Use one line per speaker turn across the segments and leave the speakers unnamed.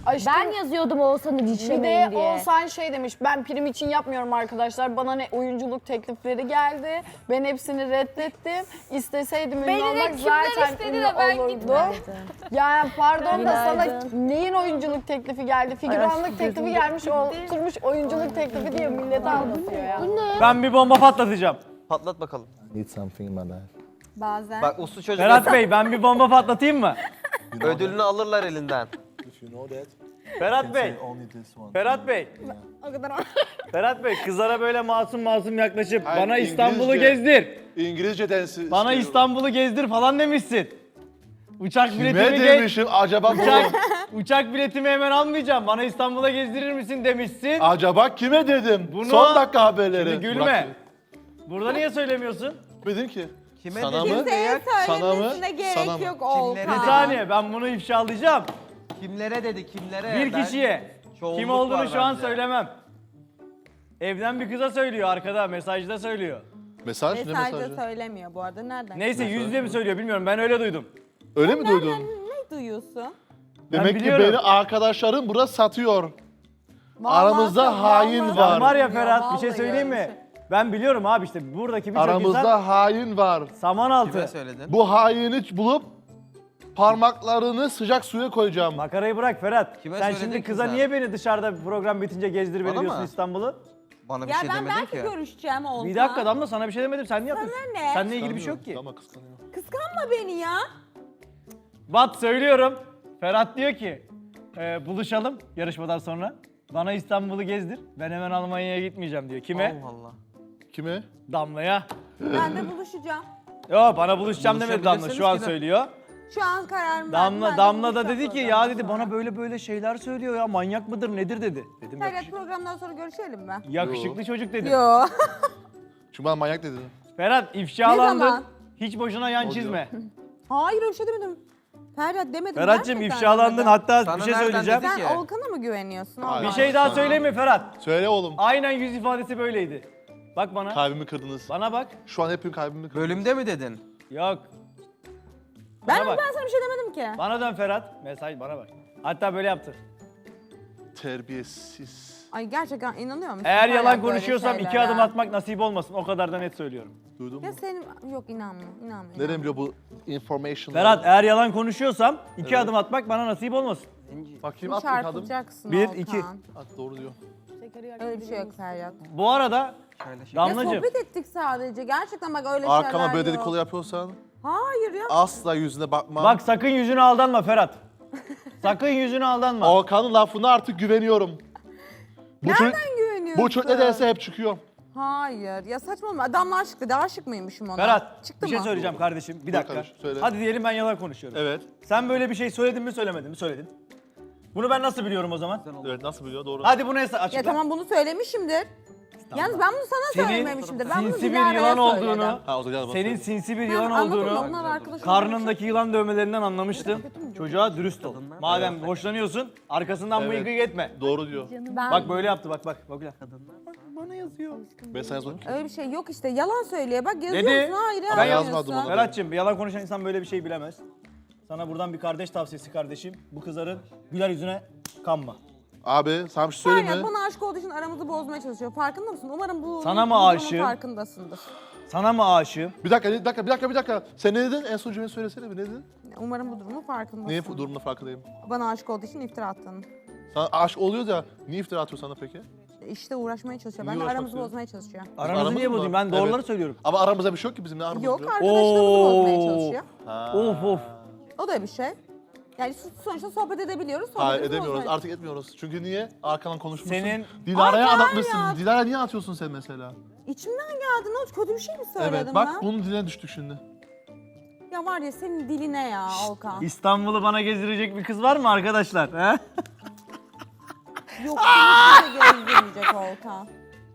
Aşkım,
Ben yazıyordum Oğuzhan'ı
bir
dişlemeyin
de
diye.
Oğuzhan şey demiş, ben prim için yapmıyorum arkadaşlar. Bana ne oyunculuk teklifleri geldi. Ben hepsini reddettim. İsteseydim ünlü
Beni de
olmak
kimler
zaten
istedi
ünlü
de ben
olurdu.
gitmedim.
Yani pardon da sana
Günaydın.
neyin oyunculuk teklifi geldi? Figüranlık teklifi gelmiş, oturmuş oyunculuk teklifi diye millete anlatıyor ya.
Ben bir bomba patlatacağım.
Patlat bakalım.
Need something in my life.
Bazen.
Bak uslu çocuk.
Ferhat Bey ben bir bomba patlatayım mı?
Ödülünü alırlar elinden.
If you know that,
Ferhat Bey.
say only this one.
Ferhat Bey.
O kadar.
Ferhat Bey kızlara böyle masum masum yaklaşıp
Hayır,
bana İstanbul'u
İngilizce.
gezdir.
İngilizceden
Bana İstanbul'u gezdir falan demişsin. Uçak
Kime
biletimi
demişim acaba
uçak biletimi hemen almayacağım. Bana İstanbul'a gezdirir misin demişsin.
acaba kime dedim?
Bunu-
Son dakika haberleri.
Şimdi gülme. Burada niye söylemiyorsun?
Dedim ki.
Kime
Sana
dedin?
mı?
Kimseye
Sana mı?
söylemesine gerek
Sana mı?
yok
Bir
Olkan.
saniye ben bunu ifşalayacağım.
Kimlere dedi kimlere?
Bir kişiye.
Çoğunluk
Kim olduğunu
var
şu an
bence.
söylemem. Evden bir kıza söylüyor arkada mesajda söylüyor.
Mesaj ne
Mesajda
mesajı?
söylemiyor bu arada. Nereden?
Neyse yüzde mi söylüyor bilmiyorum ben öyle duydum.
Öyle mi duydun?
Ne duyuyorsun?
Demek ki
biliyorum.
beni arkadaşlarım burada satıyor.
Vallahi
Aramızda hain
vallahi
var.
Sen var ya
öyle
Ferhat bir şey
vallahi
söyleyeyim
öyle
mi? Ben biliyorum abi işte buradaki birçok insan
Aramızda hain var.
saman altı.
Kime söyledin?
Bu haini bulup parmaklarını sıcak suya koyacağım.
Makarayı bırak Ferhat.
Kime
sen
söyledin
şimdi
ki
kıza
sen?
niye beni dışarıda program bitince gezdir beni
Bana
diyorsun
mı?
İstanbul'u?
Bana bir
Ya
şey
ben
demedin
belki
ki.
görüşeceğim Olkan.
Bir dakika Damla sana bir şey demedim sen niye yapıyorsun?
ne?
Seninle ilgili bir şey yok ki.
Ama kıskanıyor.
Kıskanma beni ya.
Bat söylüyorum. Ferhat diyor ki buluşalım yarışmadan sonra. Bana İstanbul'u gezdir. Ben hemen Almanya'ya gitmeyeceğim diyor. Kime?
Allah Allah.
Kime?
Damla'ya.
Ben de buluşacağım.
Yo bana buluşacağım demedi Damla
Buluşabilirsiniz
şu an
ki de.
söylüyor.
Şu an kararımı verdim. Ben de
Damla da
buluşacağım
dedi ki ya
programdan
dedi bana
sonra.
böyle böyle şeyler söylüyor ya manyak mıdır nedir dedi. Dedim
Evet programdan sonra görüşelim mi?
yakışıklı çocuk dedi.
Yo.
Çünkü bana manyak dedin.
Ferhat
Ne
ifşalandın.
zaman?
Hiç boşuna yan
Oluyor.
çizme.
Hayır öyle bir şey demedim. Ferhat demedim.
Ferhat'cığım
gerçekten
ifşalandın
demedim.
hatta
Sana
bir şey
nereden
söyleyeceğim.
dedi?
Sen
ki?
Olkan'a mı güveniyorsun?
Hayır.
Bir
Allah
şey daha
aşkına?
söyleyeyim mi Ferhat?
Söyle oğlum.
Aynen yüz ifadesi böyleydi. Bak bana.
Kalbimi kırdınız.
Bana bak.
Şu an hep kalbimi kırdınız.
Bölümde mi dedin?
Yok.
Ben,
Bana bak.
ben sana bir şey demedim ki.
Bana dön Ferhat. Mesaj bana bak. Hatta böyle yaptı.
Terbiyesiz.
Ay gerçekten inanıyor musun?
Eğer
Hala
yalan
böyle
konuşuyorsam iki
şeylere?
adım atmak nasip olmasın. O kadar da net söylüyorum.
Duydun mu?
Ya senin yok inanmıyorum.
Nereden biliyor bu information?
Ferhat eğer yalan konuşuyorsam iki adım atmak bana nasip olmasın.
Bakayım at bir adım.
Çarpılacaksın
Bir,
Olkan.
iki.
At doğru diyor.
Öyle bir şey yok Ferhat.
Bu arada
Şöyle şey.
Ya
Damlacığım
sohbet ettik sadece. Gerçekten bak öyle şeyler
Arkama böyle
yok.
dedikodu yapıyorsan
Hayır ya.
asla yüzüne bakmam.
bak sakın yüzüne aldanma Ferhat. Sakın yüzüne aldanma.
Okan'ın lafına artık güveniyorum. Bu çocuk,
Güveniyorsun.
bu çocuk ne derse hep çıkıyor.
Hayır ya saçmalama. Adamla aşık dedi. Aşık mıymışım ona?
Ferhat
Çıktı
bir şey
mı?
söyleyeceğim kardeşim. Bir dakika.
kardeşim, söyle.
Hadi diyelim ben yalan konuşuyorum.
Evet.
Sen böyle bir şey söyledin mi söylemedin mi? Söyledin. Bunu ben nasıl biliyorum o zaman?
Evet nasıl biliyor doğru.
Hadi bunu açıkla.
Ya tamam bunu söylemişimdir. Yalnız ben bunu sana
Senin
söylememişimdir. Ben bunu
sinsi bir
Dilara'ya
yılan
söyledim.
olduğunu,
Ha o zaman gel bana
senin
söyle.
sinsi bir
Ben
yılan
anladım da
olduğunu,
onlar arkadaş
karnındaki yılan dövmelerinden anlamıştım. Çocuğa dürüst ol. Madem hoşlanıyorsun, arkasından
Evet.
mıygık etme.
Doğru diyor.
Ben
Bak böyle yaptı bak bak. Bak bana yazıyor.
Ben sana yazmadım ki.
öyle bir şey yok işte. Yalan söylüyor. Bak yazıyorsun.
Dedi.
Hayır
Ben
yazmıyorsun.
yazmadım onu.
Ferhat'cığım bir yalan konuşan insan böyle bir şey bilemez. Sana buradan bir kardeş tavsiyesi kardeşim. Bu kızların güler yüzüne kanma.
Abi sana bir şey söyleyeyim
Ferhat
mi?
bana aşık olduğu için aramızı bozmaya çalışıyor. Farkında mısın? Umarım bu
Sana mı
bu durumun
aşığım?
farkındasındır.
Sana mı aşığım?
Bir dakika. Sen ne dedin? En son cümleyi söylesene bir ne dedin?
Umarım bu durumun farkındasın.
Niye durumda farkındayım?
Bana aşık olduğu için iftira attın.
Sana aşk oluyor da niye iftira atıyor sana peki?
İşte uğraşmaya çalışıyor.
Niye
Ben de
uğraşmak
aramızı
istiyor?
bozmaya çalışıyor.
Aramızı
Aramız
niye
mı?
bozayım? Ben doğruları
Evet.
söylüyorum.
Ama aramızda bir şey yok ki bizim ne aramız
Yok
yok.
arkadaşlarımızı bozmaya çalışıyor.
Of of.
O da bir şey. Yani sonuçta sohbet edebiliyoruz.
Hayır
sohbetimizi
edemiyoruz
bozmaya-
artık etmiyoruz. Çünkü niye? Arkadan konuşmuşsun.
Senin-
Dilara'ya
Ay,
anlatmışsın.
ya.
Dilara niye atıyorsun sen mesela?
İçimden geldi. Ne oldu? Kötü bir şey mi söyledim
Evet bak
ben?
bunun diline düştük şimdi.
Ya var ya senin diline ya Olkan.
İstanbul'u bana gezdirecek bir kız var mı arkadaşlar? He?
Yok seni kimse gezdirmeyecek Olkan.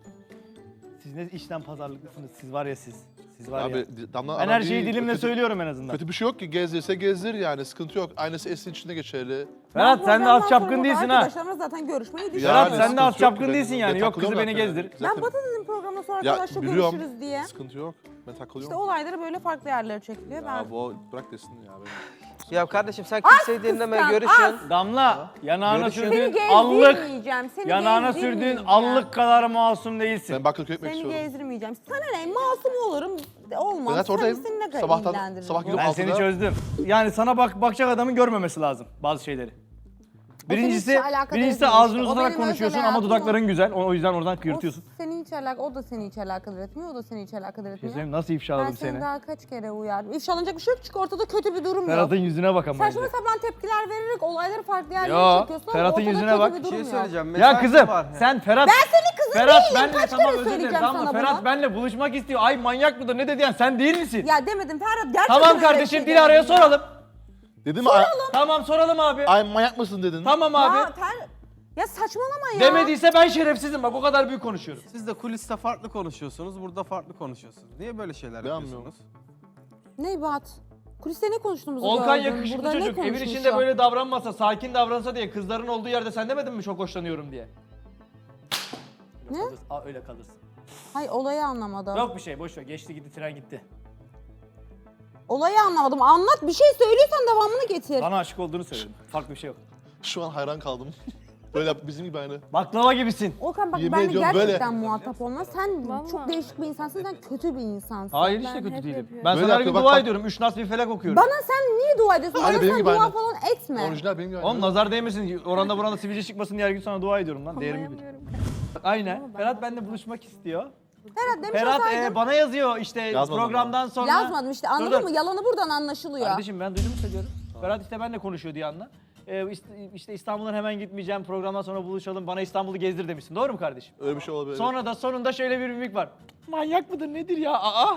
Siz ne işten pazarlıklısınız? Siz var ya siz. Siz var ya.
Abi Damla
Ben her şeyi
değil,
dilimle
kötü-
söylüyorum en azından.
Kötü bir şey yok ki gezdirse gezdir yani sıkıntı yok. Aynısı Esin için de geçerli.
Ferhat
Ben
sen de
programdan
az çapkın
sonra
değilsin ha.
Arkadaşlarımla zaten görüşmeyi düşünüyorum.
Ferhat,
Yani
sen de az
sıkıntı yok
çapkın
ki.
değilsin yani.
Ben
Yok, kızı
takılıyorum
beni
zaten.
gezdir.
Ben Batı dedim programdan sonra
Ya
arkadaşla
biliyorum.
görüşürüz diye.
Sıkıntı yok. Ben takılıyorum.
İşte olayları böyle farklı yerlere çekiliyor.
Ya
Ben
bu bırak desin ya.
Ya kardeşim sen kimseyi dinleme,
kıskan,
görüşün.
Damla, yanağına
Görüşün.
sürdüğün
Seni
allık,
gezdirmeyeceğim. Seni
yanağına sürdüğün
gezdirmeyeceğim.
allık kadar masum değilsin.
Ben Bakırköy ekmek
Seni
istiyorum.
gezdirmeyeceğim. Sana ne? Masum olurum. Olmaz.
Evet, oradayım.
Seni ne kadar
Sabahtan-
ilgilendirir
sabah
bu?
gidip-
Ben seni
altıda-
çözdüm. Yani sana bakacak adamın görmemesi lazım bazı şeyleri. Birincisi,
hiç alakadar
birincisi
değil
ağzını
işte. O
uzatarak
benim
konuşuyorsun
özel
ama
hayatım
dudakların güzel. O yüzden oradan kıyırtıyorsun.
O da seni hiç alakadar etmiyor. O da seni hiç alakadar etmiyor.
Şey nasıl
Ben
ifşaladım
seni
seni?
daha kaç kere uyardım. İfşalanacak bir şey yok çünkü ortada kötü bir durum
Ferhat'ın
yok.
yüzüne bak ama
Saçma
önce.
sapan tepkiler vererek olayları farklı yerlere
Yo,
çekiyorsun ama
Ferhat'ın
ortada
yüzüne
kötü
bak.
bir
Bir
durum
şey
yok.
söyleyeceğim.
Ya
mesaj
kızım
var.
sen Ferhat...
Ben senin kızın
Ferhat
değilim.
benle
Kaç
tamam
kere
özür dilerim
söyleyeceğim
tamam mı?
sana
Ferhat
bunu?
benle buluşmak istiyor. Ay manyak mıdır ne dedi yani sen değil misin?
Ya demedim Ferhat gerçekten
Tamam
öyle bir
kardeşim
şey
Dilara'ya
demedim ya.
soralım.
Dedim mi?
Tamam soralım abi.
Ay manyak mısın dedin.
Tamam abi.
Ya saçmalama ya.
Demediyse ben şerefsizim bak o kadar büyük konuşuyorum.
Siz de kuliste farklı konuşuyorsunuz, burada farklı konuşuyorsunuz. Niye böyle şeyler
Beğenmiyorum.
yapıyorsunuz?
Ne Bat? Kuliste ne konuştuğumuzu
Volkan
gördüm.
yakışıklı
Burada ne
çocuk. Evin
konuşmuşum?
içinde böyle davranmasa, sakin davransa diye kızların olduğu yerde sen demedin mi çok hoşlanıyorum diye?
Ne?
Öyle kalırsın.
Hayır olayı anlamadım.
Yok bir şey boş ver. Geçti gitti tren gitti.
Olayı anlamadım. Anlat bir şey söylüyorsan devamını getir.
Bana aşık olduğunu söyledim. Farklı bir şey yok.
Şu an hayran kaldım. Böyle yap, bizim gibi aynı.
Baklava gibisin.
Okan bak
Yemin
ben de
ediyorum
gerçekten muhatap olma. Sen
Vallahi.
çok değişik bir insansın. Sen kötü bir insansın.
Hayır işte
Ben
kötü
hep
değilim.
yapıyorum.
Ben
Böyle
sana her gün
yapıyor,
dua
bak.
ediyorum. 3 nas bir felak okuyorum.
Bana sen niye dua ediyorsun?
Aynı
Bana
benim
sen
gibi
dua
aynı.
falan etme.
Orijinal benim gibi aynı.
Oğlum nazar değmesin. Oranda buranda sivilce çıkmasın diye her gün sana dua ediyorum lan. Değerimi bil. Aynen. Ferhat benimle buluşmak istiyor.
Ferhat demiş
Ferhat
olsaydın.
bana yazıyor işte
Yazmadım
programdan sonra.
Yazmadım işte anladın
Dur, dur.
mı? Yalanı buradan anlaşılıyor.
Kardeşim ben duydum söylüyorum. Ferhat işte benimle konuşuyor diye anla. İşte İstanbul'dan hemen gitmeyeceğim. Programdan sonra buluşalım. Bana İstanbul'u gezdir demişsin. Doğru mu kardeşim?
Öyle bir şey olabilir.
Sonra da sonunda şöyle bir mimik var. Manyak mıdır nedir ya? Aa!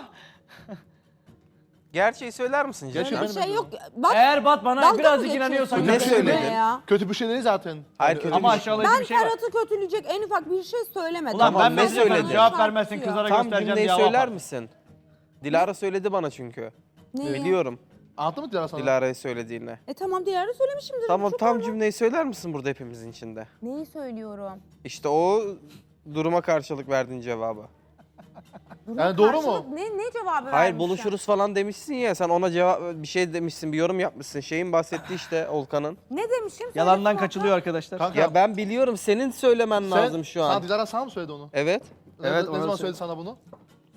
Gerçeği söyler misin Cem?
Gerçi
Öyle bir
benim
şey yok. Bak
Eğer Bat bana
dalga mı
birazcık
geçiyorsun
inanıyorsan
Ne
benimle
söyledin?
ya?
Kötü bir şey değil zaten.
Hayır,
Yani
kötü
ama
bir şey.
aşağılayıcı
Ben
bir şey var.
Ferhat'ı kötüleyecek en ufak bir şey söylemedim.
Ulan
Tamam,
ben
ne
ne
söyledin?
söyledim? Cevap vermezsin kızlara
Tam
göstereceğim
cümleyi
diye hava
söyler
yapar.
misin? Dilara söyledi bana çünkü.
Neyi?
Biliyorum
Anlattın mı Dilara sana?
Dilara'yı söylediğini.
Tamam diğerini söylemişimdir.
Tamam
Çok
tam
normal.
cümleyi söyler misin burada hepimizin içinde?
Neyi söylüyorum?
İşte o duruma karşılık verdiğin cevabı.
Yani doğru mu?
Karşılık Ne cevabı
Hayır
vermişler?
buluşuruz falan demişsin ya sen ona cevap bir şey demişsin bir yorum yapmışsın. Şeyin bahsettiği işte Olkan'ın.
Ne demişim?
Yalandan
Söyle
kaçılıyor arkadaşlar.
Kanka,
Ya ben biliyorum senin söylemen lazım şu
Sana
an.
Dilara sana mı söyledi onu?
Evet.
Evet, ne
ona
zaman
söyle-
söyledi sana bunu?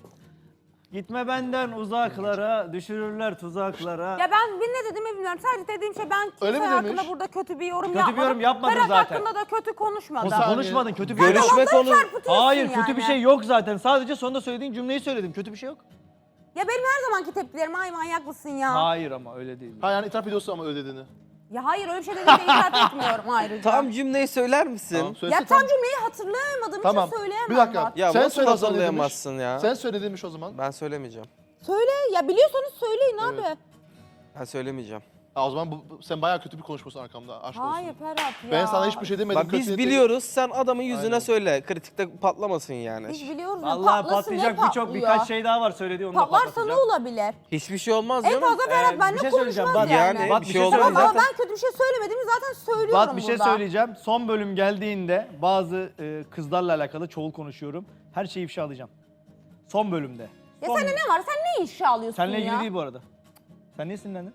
Gitme benden uzaklara, düşürürler tuzaklara.
Ya ben ne dediğimi bilmiyorum. Sadece dediğim şey ben
Öyle
kimse
mi
hakkında
demiş?
burada kötü bir yorum
Kötü bir
yapmadım.
yorum yapmadın
Ferhat
zaten.
hakkında da kötü konuşmadım.
saniye.
Konuşmadın kötü bir şey
Görüşme
yok.
konu.
Çarpıtıyorsun
Hayır
yani.
kötü bir şey yok zaten. Sadece sonunda söylediğin cümleyi söyledim. Kötü bir şey yok.
Ya benim her zamanki tepkilerim ay manyak mısın ya?
Hayır ama öyle değil.
Ha yani itiraf ediyorsun ama öyle dediğini.
Ya hayır öyle bir şey dediğimde itiraf etmiyorum ayrıca.
Tam cümleyi söyler misin?
Tamam,
Ya
söylesin,
tam cümleyi hatırlayamadığım
Tamam.
için söyleyemem.
Bir dakika.
Bak.
Ya
Sen
nasıl
söyle o zaman
hazırlayamazsın
demiş.
ya?
Sen söyle demiş o zaman.
Ben söylemeyeceğim.
Söyle ya biliyorsanız söyleyin
Evet.
abi.
Ben söylemeyeceğim.
Ha, o zaman sen bayağı kötü bir konuşmasın arkamda. Aşk
Hayır
olsun.
Ferhat ya.
Ben sana hiçbir şey demedim.
Bak biz
kötü
biliyoruz sen adamın yüzüne
Aynen.
söyle. Kritikte patlamasın yani.
Biz biliyoruz ya
Allah
patlasın ne
patlayacak
patlıyor?
birkaç şey daha var söylediği onu da
Patlarsa ne
patlatacağım.
olabilir?
Hiçbir şey olmaz
En
canım.
fazla Ferhat
bir
benimle
şey söyleyeceğim.
konuşmaz
Bak,
yani.
yani
Bat,
bir
bir
şey
şey
olmaz.
söyleyeceğim.
Ama ben kötü bir şey söylemediğimi zaten söylüyorum
Bat bir şey
burada.
söyleyeceğim. Son bölüm geldiğinde bazı kızlarla alakalı çoğul konuşuyorum. Her şeyi ifşa alacağım. Son bölümde.
Ya
Son-
sende ne var? Sen ne ifşa alıyorsun
Seninle
ya?
ilgili değil bu arada. Sen niye sinirlendin?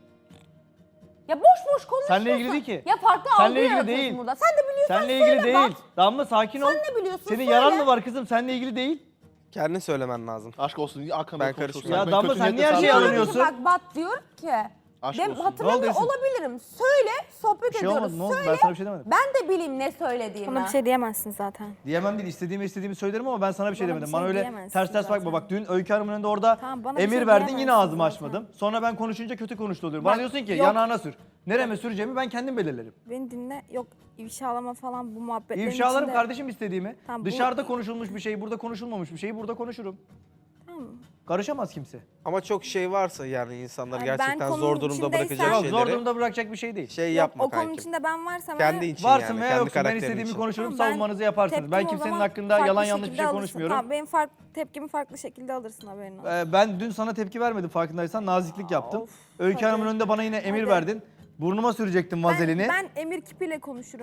Ya boş boş konuşuyorsun.
Seninle ilgili değil ki.
Ya farklı
Seninle
algı
ilgili
yaratıyorsun
değil.
burada. Sen de biliyorsan
Seninle
söyle
ilgili
bak.
değil. Damla sakin ol.
Sen ne biliyorsun
Senin
söyle.
yaran mı var kızım? Seninle ilgili değil.
Kendin söylemen lazım.
Aşk olsun. Arkamda
Ben
konuşuyorsun.
karışmıyorum.
Ben
Ya Damla,
kötü
sen
niyetle
niye her
sana
şeyi
söylüyorum.
alınıyorsun?
Bak Bat diyor ki.
Aşk
Ben
olsun.
hatırlamıyor
Ne oldu Esin?
olabilirim. Söyle, sohbet
Bir şey
ediyoruz.
olmadı. Ne oldu?
Söyle,
Ben sana bir şey demedim.
ben de bileyim ne söylediğimi.
Bana bir şey diyemezsin zaten.
Diyemem değil. İstediğimi söylerim ama ben sana bir şey
Bana bir
demedim.
şey
Bana öyle
diyemezsin
ters bakma.
zaten.
Bak dün Öykü Hanım'ın önünde orada
Tamam, bana bir
emir
şey
verdin yine
diyemezsin
ağzımı
zaten.
açmadım. Sonra ben konuşunca kötü konuştu oluyorum. Bana
Bak,
diyorsun ki
yok.
yanağına sür. Nereme süreceğimi ben kendim belirlerim.
Beni dinle. Yok ifşalama falan bu muhabbetlerin
İfşalarım
içinde-
kardeşim istediğimi.
Tamam, bu-
Dışarıda konuşulmuş bir şey, burada konuşulmamış bir şeyi burada konuşurum.
Tamam.
Karışamaz kimse.
Ama çok şey varsa yani insanlar
Ay, ben
gerçekten
konunun
zor durumda
içindeysem-
bırakacak
Yok,
şeyleri
zor durumda bırakacak bir şey değil.
şey
Yok,
yapma
o konunun
kankim.
içinde ben varsam
Kendi
eğer-
için
Varsın
yani,
veya
kendi
yoksun ben
karakterin
istediğimi
için.
konuşurum,
Tamam, ben
savunmanızı yaparsınız. Ben
tepkimi o
kimsenin
zaman
hakkında
farklı
yalan yanlış bir
şekilde
şey
alırsın.
konuşmuyorum.
Tamam benim tepkimi farklı şekilde alırsın haberin olsun.
Ben dün sana tepki vermedim farkındaysan. Naziklik yaptım.
Of,
Öykü
hadi.
Hanım'ın önünde bana yine emir
Hadi.
verdin. Burnuma sürecektin vazelini.
Ben emir kipiyle konuşurum.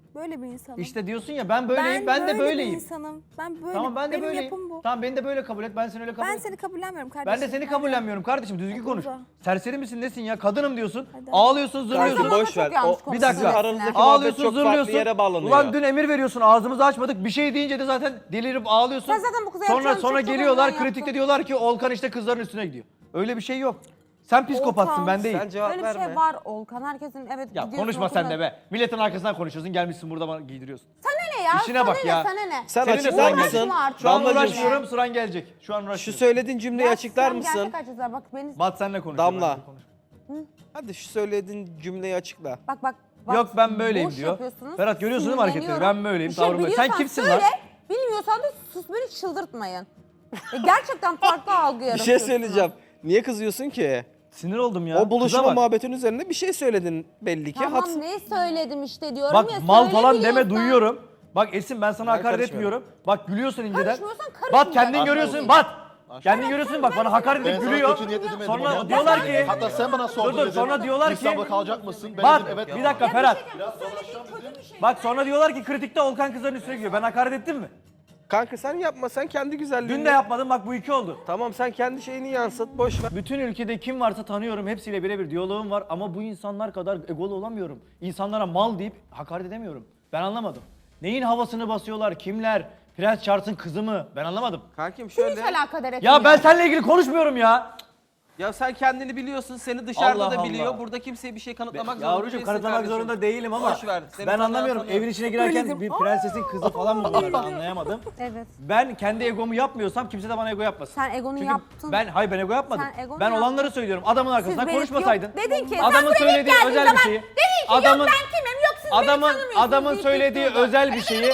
Böyle bir insanım.
İşte diyorsun ya ben böyleyim, ben de
böyle bir
böyleyim.
insanım. Ben böyle.
Tamam ben de
Benim
böyleyim.
yapım bu.
Tamam beni de böyle kabul et. Ben seni öyle kabul
Ben
et.
seni kabullenmiyorum kardeşim.
Ben de seni kabullenmiyorum kardeşim. Düzgün konuş.
Uza.
Serseri misin nesin ya? Kadınım diyorsun.
Hadi.
Ağlıyorsun,
Kanka
zırlıyorsun.
boş ver.
çok yanlış
O,
Bir dakika.
sizin aranızdaki muhabbet
Ağlıyorsun,
çok
zırlıyorsun.
farklı yere bağlanıyor.
Ulan dün emir veriyorsun, ağzımızı açmadık. Bir şey deyince de zaten delirip ağlıyorsun.
Sen zaten bu kıza
Sonra
yapacağın
sonra
çok çok
geliyorlar
önden
kritikte
yaptın.
diyorlar ki Olkan işte kızların üstüne gidiyor. Öyle bir şey yok. Sen psikopatsın
Olkan,
ben değil.
Sen cevap
Öyle bir
verme.
şey var Olkan. Herkesin evet
Ya
gidiyorsun
konuşma sen
okula.
de be. Milletin arkasından konuşuyorsun. Gelmişsin burada bana giydiriyorsun.
Sana ne ya?
İşine
sana
bak
ne,
ya.
Sana ne?
Sen
Senin de
açıklar
sıran
mısın?
Uğraşma artık.
Şu an
Damlacığım,
uğraşmıyorum, sıran gelecek. Şu an
Şu
uğraşmıyorum.
söylediğin cümleyi
Ya
açıklar
sen
mısın?
Gerçek açıklar. Bak beni...
Bat senle konuş.
Damla.
Ben konuş.
Hadi şu söylediğin cümleyi açıkla.
Bak.
Yok ben böyleyim
boş
diyor.
yapıyorsunuz,
Ferhat görüyorsun değil mi hareketleri?
sinirleniyorum.
Ben böyleyim,
Bir şey
tavrım böyle. Sen
biliyorsan
kimsin
söyle,
lan?
Bilmiyorsan da sus beni çıldırtmayın. Gerçekten farklı algı
Bir
yaratıyorsunuz.
şey söyleyeceğim. Niye kızıyorsun ki?
Sinir oldum ya.
O
Kıza
buluşma
bak.
muhabbetin üzerine bir şey söyledin belli ki.
Tamam
Haksız.
ne söyledim işte diyorum
Bak
ya.
mal
söyle
falan deme
biliyorsan.
duyuyorum. Bak Esin ben sana
Ben
hakaret
karışmıyorum.
etmiyorum. Bak gülüyorsun inceden.
Karışmıyorsan karışma.
Bat kendin görüyorsun. Bat. Kendin görüyorsun bak bana hakaret
Ben
edip
sana
gülüyor.
kötü niyetli demedim
Sonra
ama.
diyorlar ki
Hatta sen bana sordun
dur,
dedin.
sonra diyorlar ki-
İstanbul'da kalacak mısın? Ben
Bat
dedim evet.
bir dakika Ferhat. Bak sonra diyorlar ki kritikte Olkan kızların üstüne gidiyor. Ben hakaret ettim mi?
Kanka sen yapma, sen kendi güzelliğini.
Dün de yapmadım bak bu iki oldu.
Tamam sen kendi şeyini yansıt, boş ver.
Bütün ülkede kim varsa tanıyorum. Hepsiyle birebir diyaloğum var ama bu insanlar kadar egolu olamıyorum. İnsanlara mal deyip hakaret edemiyorum. Ben anlamadım. Neyin havasını basıyorlar? Kimler? Prens Charles'ın kızı mı? Ben anlamadım.
Kankim
Hiç
şöyle.
alakadar etmiyor.
Ya ben seninle ilgili konuşmuyorum ya.
Ya sen kendini biliyorsun, seni dışarıda
Allah
da biliyor.
Allah.
Burada kimseye bir şey kanıtlamak zorunda
Yavrucuğum
değilsin
kanıtlamak
kardeşim.
zorunda değilim ama
Boş ver, seni
ben
sana
anlamıyorum.
tanıyorum.
Evin içine girerken bir prensesin kızı falan mı bunlar ben anlayamadım.
Evet.
Ben kendi egomu yapmıyorsam kimse de bana ego yapmasın.
Sen egonu
Çünkü
yaptın.
hayır ben ego yapmadım.
Sen egonu
Ben
yaptın.
olanları söylüyorum. Adamın arkasından
Siz
konuşmasaydın.
yok, dedin ki, sen
adamın
buraya ilk
söylediği
geldiğin
özel bir
zaman
şeyi.
dedin ki, yok ben kimim, yok siz beni tanımıyorsunuz
Adamın
deyip
söylediği
bekliyordun.
özel bir şeyi.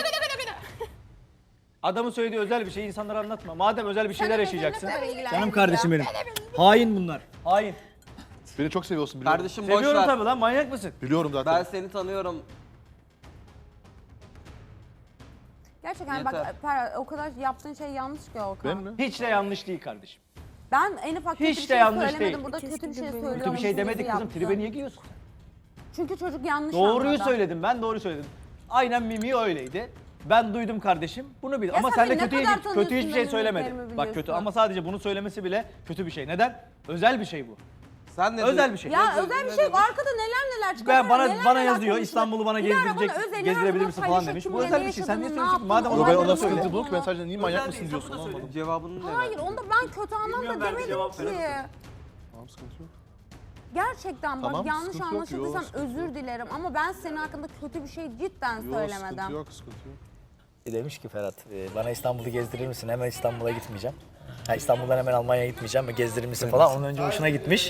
Adamın söylediği özel bir şeyi insanlara anlatma. Madem özel bir şeyler yaşayacaksın. Canım kardeşim benim. Hain bunlar. Hain.
Beni çok seviyorsun biliyorum.
Kardeşim boş
Seviyorum
ver.
tabii lan manyak mısın?
Biliyorum zaten.
Ben seni tanıyorum.
Gerçekten bak
Yeter.
Ferhat, o kadar yaptığın şey yanlış ki Olkan.
Ben mi?
Hiç de yanlış değil kardeşim.
Ben en ufak kötü
Hiç
bir
de
şey
yanlış
söylemedim.
değil.
Burada kötü bir şey söylüyorum.
Kötü bir şey demedik kızım.
yaptı.
Tribe niye giriyorsun?
Çünkü çocuk yanlış
Doğruyu
anladı.
söyledim ben doğru söyledim. Aynen Mimi öyleydi. Ben duydum kardeşim. Bunu bil.
Ya
Ama
sen
sen de
beni ne
kötü
kadar
kötü
tanıyorsun
hiçbir şey
benim
söylemedi.
mimiklerimi
Bak kötü
biliyorsun.
ama sadece bunu söylemesi bile kötü bir şey. Neden? Özel bir şey bu.
Sen ne
Özel bir şey.
Ya
Ne
özel bir
ne
şey
demiş?
arkada neler çıkıyor.
Ben bana
neler
yazıyor.
konuşuyor.
İstanbul'u bana
Dilara
gezdirecek,
bana özelini her
gezdirebilir
zaman
misin falan
paylaşıyor.
demiş.
Kim
Bu
ne
özel bir şey. Sen niye
yaşadığını,
söylüyorsun ki?
ne
Madem
yaptığını,
Yo, ben
olayları
ona
Olay
sıkıntı
olduğunu.
bu ki ben sadece niye manyak mısın
değil,
diyorsun
sana
anlamadım.
Cevabını ne
Hayır onda ben kötü anlamda
Bilmiyorum, belki
demedim
cevap
ki.
veremedim.
Tamam sıkıntı yok.
Gerçekten bak
Tamam,
yanlış
sıkıntı yok.
anlaşıldıysam
Yok, sıkıntı
özür dilerim ama ben senin hakkında kötü bir şey cidden
Yok
söylemedim.
sıkıntı yok sıkıntı yok.
Demiş ki Ferhat, bana İstanbul'u gezdirir misin? Hemen İstanbul'a gitmeyeceğim. Ha, İstanbul'dan hemen Almanya'ya gitmeyeceğim ve gezdirir misin falan. Onun önce hoşuna gitmiş.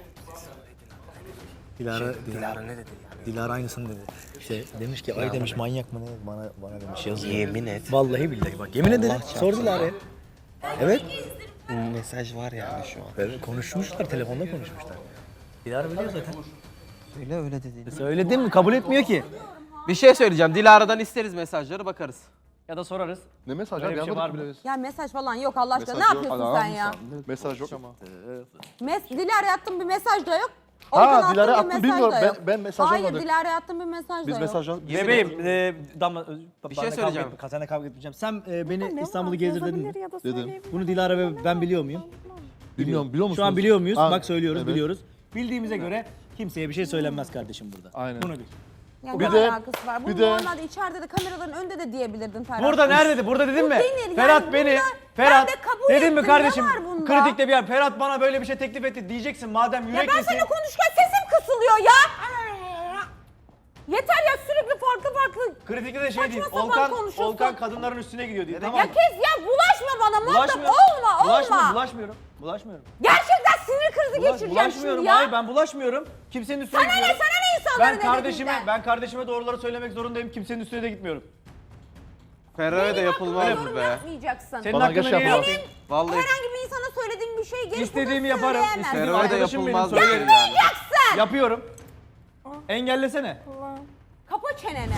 Dilara ne dedi? Dilara aynısını dedi. İşte demiş ki ay demiş manyak mı ne bana demiş yazıyor.
Yemin et.
Vallahi billahi bak yemin ederim. Sor Dilara'ya. Evet.
Mesaj var yani şu an.
Evet, konuşmuşlar telefonda konuşmuşlar. Dilara biliyor zaten.
Söyle öyle dedi.
Söyledim mi? Kabul etmiyor ki.
Bir şey söyleyeceğim. Dilara'dan isteriz mesajları, bakarız.
Ya da sorarız.
Ne mesaj
Öyle
abi?
bir şey var
Anlamadık
mı?
bile.
Ya mesaj falan yok Allah aşkına.
Mesaj
Ne
yok.
yapıyorsun
Adam
sen ya?
Mesaj yok ama.
Dilara'ya attığın bir mesaj da yok.
Ha,
Olkan'a
Dilara'ya
attığın bir
attım,
mesaj
bilmiyorum.
da yok.
Ben mesaj
Hayır
almadık.
Dilara'ya attığın bir mesaj
Biz
da yok.
mesajdan...
Bebeğim, Damla,
Bir şey söyleyeceğim.
Seninle kavga etmeyeceğim. Sen beni
Ne
İstanbul'u
var?
gezdir dedin mi?
Yazabilir ya da
Dedim.
söyleyebilir.
Bunu Dilara ve ben biliyor muyum?
Bilmiyorum biliyor musunuz?
Şu an biliyor muyuz?
Ha,
Bak söylüyoruz,
evet.
biliyoruz. Bildiğimize göre kimseye bir şey söylenmez kardeşim burada.
Aynen.
Bunu bil.
Yani
Bir
ne
de-
alakası var?
bir
Bunu
de-
normalde içeride de kameraların önünde de diyebilirdin Ferhat.
Burada nerede? Burada dedim mi?
denir
Ferhat
yani,
beni,
bunda
Ferhat
ben de kabul
dedim mi
ettim,
kardeşim?
ne var bunda?
Kritikte bir yer. Ferhat bana böyle bir şey teklif etti diyeceksin madem
Ya ben
yüreklisin.
seninle konuşurken sesim kısılıyor ya. Yeter ya sürekli farklı.
Kritikte de şey
Saçma
değil.
sapan konuşuyorsun.
Olkan kadınların üstüne gidiyor diye. Tamam.
Ya kes ya bulaşma bana muhatap
Bulaşmıyorum.
olma.
Bulaşmıyorum.
Gerçekten sinir krizi geçireceğim
Bulaşmıyorum.
şimdi ya.
Hayır ben bulaşmıyorum. Kimsenin üstüne
Sana ne
gitmiyorum.
sana ne insanların
Ben kardeşime doğruları söylemek zorundayım. Kimsenin üstüne de gitmiyorum.
Ferrari de yapılmaz
yorum
mı be?
yapmayacaksın.
Senin
Bana
hakkında
geç
niye
yapamam.
yapayım?
Vallahi
Herhangi bir insana söylediğin bir şey gelip
İstediğimi
bunu
yaparım.
söyleyemez.
İstediğim
Ferrari de
arkadaşım benim
yapılmaz
söylerim.
yani.
Yapıyorum. Engellesene.
Kapa çeneni.